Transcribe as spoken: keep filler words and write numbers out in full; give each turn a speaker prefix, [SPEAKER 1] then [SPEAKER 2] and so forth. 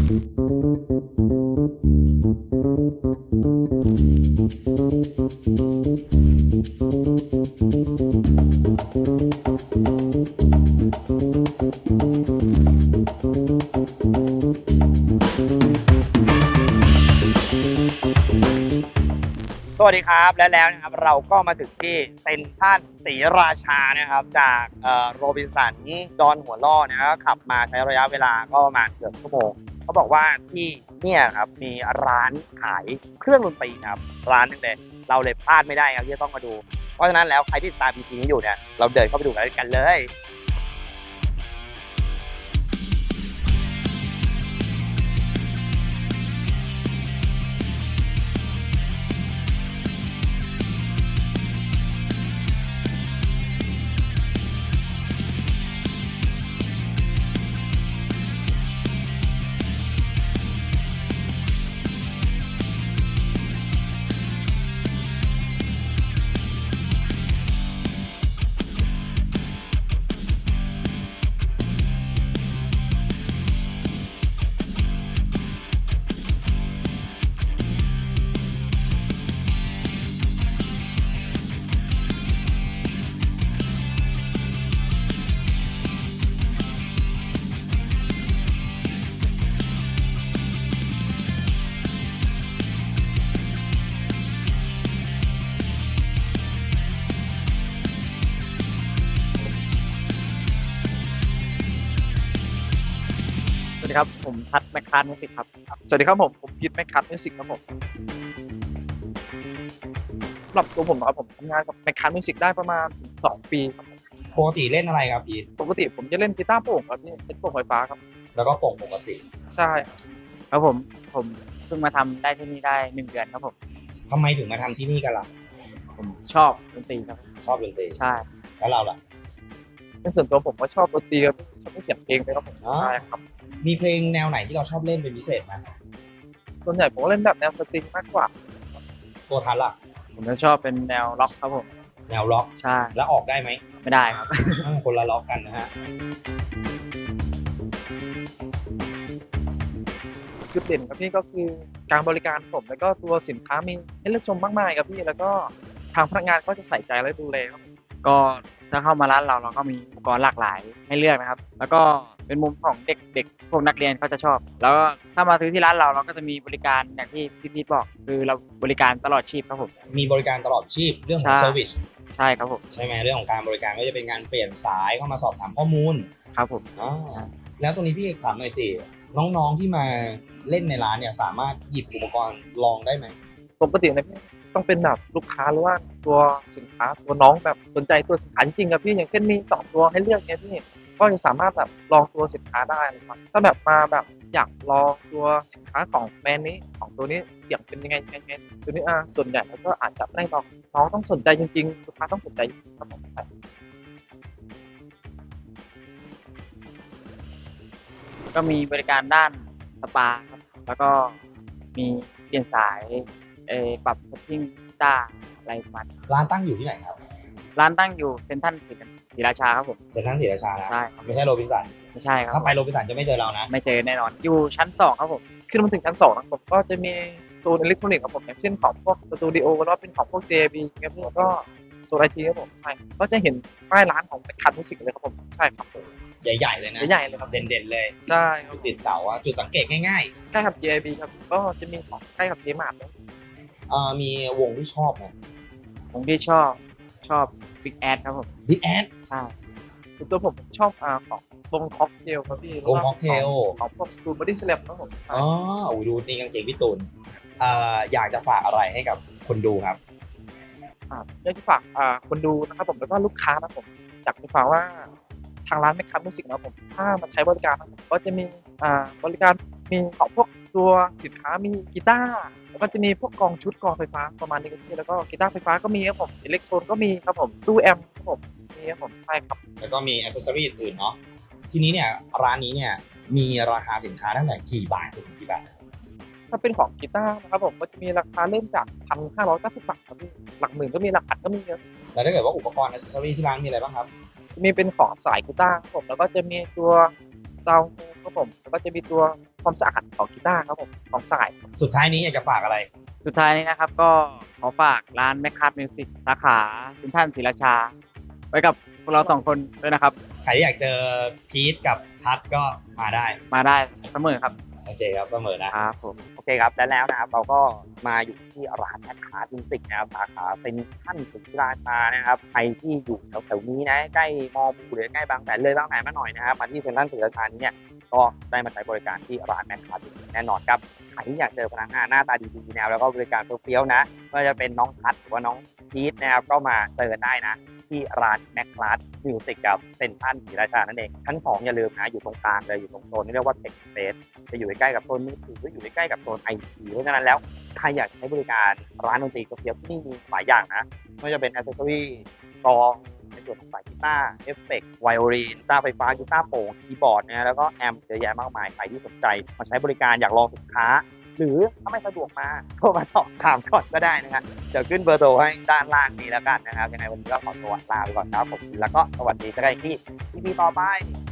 [SPEAKER 1] สวัสดีครับและแล้วนะครับเราก็มาถึงที่เซ็นทรัลศรีราชานะครับจากโรบินสันดอนหัวล่อนะครับขับมาใช้ระยะเวลาก็ประมาณเกือบชั่วโมงเขาบอกว่าที่เนี่ยครับมีร้านขายเครื่องดนตรีครับร้านนึงเลยเราเลยพลาดไม่ได้ครับที่จะต้องมาดูเพราะฉะนั้นแล้วใครที่ติดตาม อี พี นี้อยู่เนี่ยเราเดินเข้าไปดูกันเลยสวัสดีครับผมทัศน์แมคคาร์มิวสิกครับสวัสดีครับผมผมพีทแมคคาร์มิวสิกครับผมสำหรับตัวผมครับผมทำงานกับแมคคาร์มิวสิกได้ประมาณสองปีครับ
[SPEAKER 2] ปกติเล่นอะไรครับพีท
[SPEAKER 1] ปกติผมจะเล่นกีตาร์โปร่งครับพี่เป็นโปร่งไฟฟ้าครับ
[SPEAKER 2] แล้วก็โปร่งปกติ
[SPEAKER 1] ใช่ครับผมผมเพิ่งมาทำได้ที่นี่ได้หนึ่งเดือนครับผม
[SPEAKER 2] ทำไมถึงมาทำที่นี่กันล่ะ
[SPEAKER 1] ผมชอบดนตรีครับ
[SPEAKER 2] ชอบดนตรี
[SPEAKER 1] ใช่
[SPEAKER 2] แล้วเราล่ะ
[SPEAKER 1] เป็นส่วนตัวผมก็ชอบดนตรีครับชอบเสียงเพลงเลยครับผมใช่ครับ
[SPEAKER 2] มีเพลงแนวไหนที่เราชอบเล่นเป็นพิเศษไหม
[SPEAKER 1] ส่วนใหญ่ผมเล่นแบบแนวสตริงมากกว่า
[SPEAKER 2] ตัวทันล่ะ
[SPEAKER 1] ผมจะชอบเป็นแนวล็อกครับผม
[SPEAKER 2] แนวล็อก
[SPEAKER 1] ใช่
[SPEAKER 2] แล้วออกได้ไหม
[SPEAKER 1] ไม่ได้ครับ
[SPEAKER 2] คนละล็อกกันนะฮะ
[SPEAKER 1] จุดเด่นครับพี่ก็คือการบริการผมแล้วก็ตัวสินค้ามีให้เลือกชมมากมายครับพี่แล้วก็ทางพนักงานก็จะใส่ใจและดูแลครับก็ถ้าเข้ามาร้านเราเราก็มีอุปกรณ์หลากหลายให้เลือกนะครับแล้วก็เป็นมุมของเด็กๆพวกนักเรียนเขาจะชอบแล้วก็ถ้ามาซื้อที่ร้านเราเราก็จะมีบริการอย่างที่พี่พีทบอกคือเราบริการตลอดชีพครับผม
[SPEAKER 2] มีบริการตลอดชีพเรื่องของเซอร์วิส
[SPEAKER 1] ใช่ครับผม
[SPEAKER 2] ใช่ไหมเรื่องของการบริการก็จะเป็นการเปลี่ยนสายเข้ามาสอบถามข้อมูล
[SPEAKER 1] ครับผม
[SPEAKER 2] อ๋อแล้วตรงนี้พี่เอกถามหน่อยสิน้องๆที่มาเล่นในร้านเนี่ยสามารถหยิบอุปกรณ์ลองได้ไหม
[SPEAKER 1] ปกตินะพี่ต้องเป็นแบบลูกค้าหรือว่าตัวสินค้าตัวน้องแบบสนใจตัวสินค้าจริงๆครับพี่อย่างเช่นมีสองตัวให้เลือกเนี่ยพี่ก็จะสามารถแบบลองตัวสินค้าได้นะครับถ้าแบบมาแบบอยากลองตัวสินค้าของแบรนด์นี้ของตัวนี้เสียงเป็นยังไงยังไงตัวนี้อ่ะส่วนใหญ่แล้วก็อาจจะไม่ได้ลองน้องต้องสนใจจริงๆลูกค้าต้องสนใจครับผมก็มีบริการด้านสปาครับแล้วก็มีเปลี่ยนสายเออปรับเซตติ้งต้าอะไรมัน
[SPEAKER 2] ร้านตั้งอยู่ที่ไหนครับ
[SPEAKER 1] ร้านตั้งอยู่เซ็นทรัลศรีราชาครับผม
[SPEAKER 2] เซ็นทรัลศรีราชานะ
[SPEAKER 1] ใช่
[SPEAKER 2] ไม่ใช่โรบินสัน
[SPEAKER 1] ไม่ใช่ครับ
[SPEAKER 2] ถ้าไปโรบินสันจะไม่เจอเรานะ
[SPEAKER 1] ไม่เจอแน่นอนอยู่ชั้นสองครับผมขึ้นมาถึงชั้นสองนะผมก็จะมีโซนอิเล็กทรอนิกส์ครับผมอย่างเช่นของพวกสตูดิโอแล้วเป็นของพวก เจ บี ครับแล้วก็โซนไอทีครับผมใช่ก็จะเห็นป้ายร้านของเป็นคันมิวสิกเลยครับผมใช่ครับ
[SPEAKER 2] ใหญ่ๆเลยนะ
[SPEAKER 1] ใหญ่ๆเลยครับ
[SPEAKER 2] เด่นๆเลย
[SPEAKER 1] ใช่
[SPEAKER 2] ติดเสาอะจุดสังเกตง่าย
[SPEAKER 1] ๆใกล้กับ เจ บี ครับก็จะมีของใกล้กับเจมาร์ทเลย
[SPEAKER 2] เอ่อมีวงที่ชอบไหม
[SPEAKER 1] วงที่ชอบชอบ Big Ass ครับผม
[SPEAKER 2] Big Ass
[SPEAKER 1] ใช่ตัวผมชอบอ่าของวงค็อกเทลครับพี่
[SPEAKER 2] วงค็อกเทล
[SPEAKER 1] ของพวกตูนบอดี้สแลมครับผม
[SPEAKER 2] อ๋อโอ้ดูนี่กางเกงพี่ตูนเอ่ออยากจะฝากอะไรให้กับคนดูครับ
[SPEAKER 1] อ่าอยากจะฝากอ่าคนดูนะครับผมแล้วก็ลูกค้านะผมอยากจะฝากว่าทางร้านแมคคาร์มิวสิกนะผมถ้ามาใช้บริการนะผมก็จะมีอ่าบริการมีของพวกตัวสินค้ามีกีตาร์แล้วก็จะมีพวกกองชุดกองไฟฟ้าประมาณนี้ครับแล้วก็กีตาร์ไฟฟ้าก็มีครับผมอิเล็กโทรนก็มีครับผมตู้แอมป์ครับผมมีครับผมใช่ครับ
[SPEAKER 2] แล้วก็มีแอคเซสซอรี่อื่นเนาะทีนี้เนี่ยร้านนี้เนี่ยมีราคาสินค้าตั้งแต่กี่บาทถึงกี่บาท
[SPEAKER 1] ถ้าเป็นของกีตาร์นะครับผมก็จะมีราคาเริ่มจาก หนึ่งพันห้าร้อยเก้าสิบ บาทครับพี่หลักหมื่นก็มีหลักพันก็มีเยอะ
[SPEAKER 2] แล้วถ้าเกิดว่าอุปกรณ์แอคเซสซอรี่ที่ร้านมีอะไรบ้างครับ
[SPEAKER 1] มีเป็นของสายกีตาร์ครับผมแล้วก็จะมีตัวส
[SPEAKER 3] ซาวด์ครับผมแล้วก็จะมีตัวความสะอาดของกีตาร์ครับผมของสาย
[SPEAKER 2] สุดท้ายนี้อยากจะฝากอะไร
[SPEAKER 3] สุดท้ายนี้นะครับก็ขอฝากร้านแมคคาร์ดมิวสิกสาขาเซ็นทรัลศรีราชา ไว้กับพวกเราสองคนด้วยนะครับ
[SPEAKER 2] ใครที่อยากเจอพีทกับทัศน์ก็มาได้
[SPEAKER 3] มาได้เสมอครับ
[SPEAKER 2] โอเคครับเสมอนะ
[SPEAKER 3] ครับผม
[SPEAKER 1] โอเคครับและแล้วนะครับเราก็มาอยู่ที่ร้านแมคคาร์ดมิวสิกนะครับสาขาเป็นท่านศรีราชานะครับใครที่อยู่แถวๆนี้นะใกล้มอบูหรือใกล้บางแสนเลยบางแสนมาหน่อยนะครับมาที่เซ็นทรัลศรีราชานี้เนี่ยก็ได้มาใช้บริการที่ร้านแมคคาร์ดมิวสิกแน่นอนครับใครที่อยากเจอพนักงานหน้าตาดีๆนะครับแล้วก็บริการเฟี้ยวๆนะไม่ว่าจะเป็นน้องพัดหรือว่าน้องพีทนะครับก็มาเจอได้นะที่ร้านแมคคาร์ดมิวสิกกับเซ็นทรัลศรีราชานั่นเองชั้นสองอย่าลืมนะอยู่ตรงกลางเลยอยู่ตรงโซนที่เรียกว่าเทคสเปซจะอยู่ใกล้ๆกับโซนมือถือหรืออยู่ใกล้ๆกับโซนไอทีเพราะฉะนั้นแล้วใครอยากใช้บริการร้านดนตรีเฟี้ยวๆที่นี่มีหลายอย่างนะไม่ว่าจะเป็นแอคเซสซอรี่กลองในส่วนของสายกีตาร์เอฟเฟกต์ไวโอลินกีตาร์ไฟฟ้ากีตาร์โปร่งคีย์บอร์ดนะแล้วก็แอมป์เยอะแยะมากมายใครที่สนใจมาใช้บริการอยากลองสินค้า หรือถ้าไม่สะดวกมาโทรมาสอบถามก่อนก็ได้นะครับเดี๋ยวขึ้นเบอร์โทรให้ด้านล่างนี้แล้วกันนะครับยังไงวันนี้ก็ขอตัวลาไปก่อนครับผมแล้วก็สวัสดีเจอกันอีกที่ อี พี ต่อไป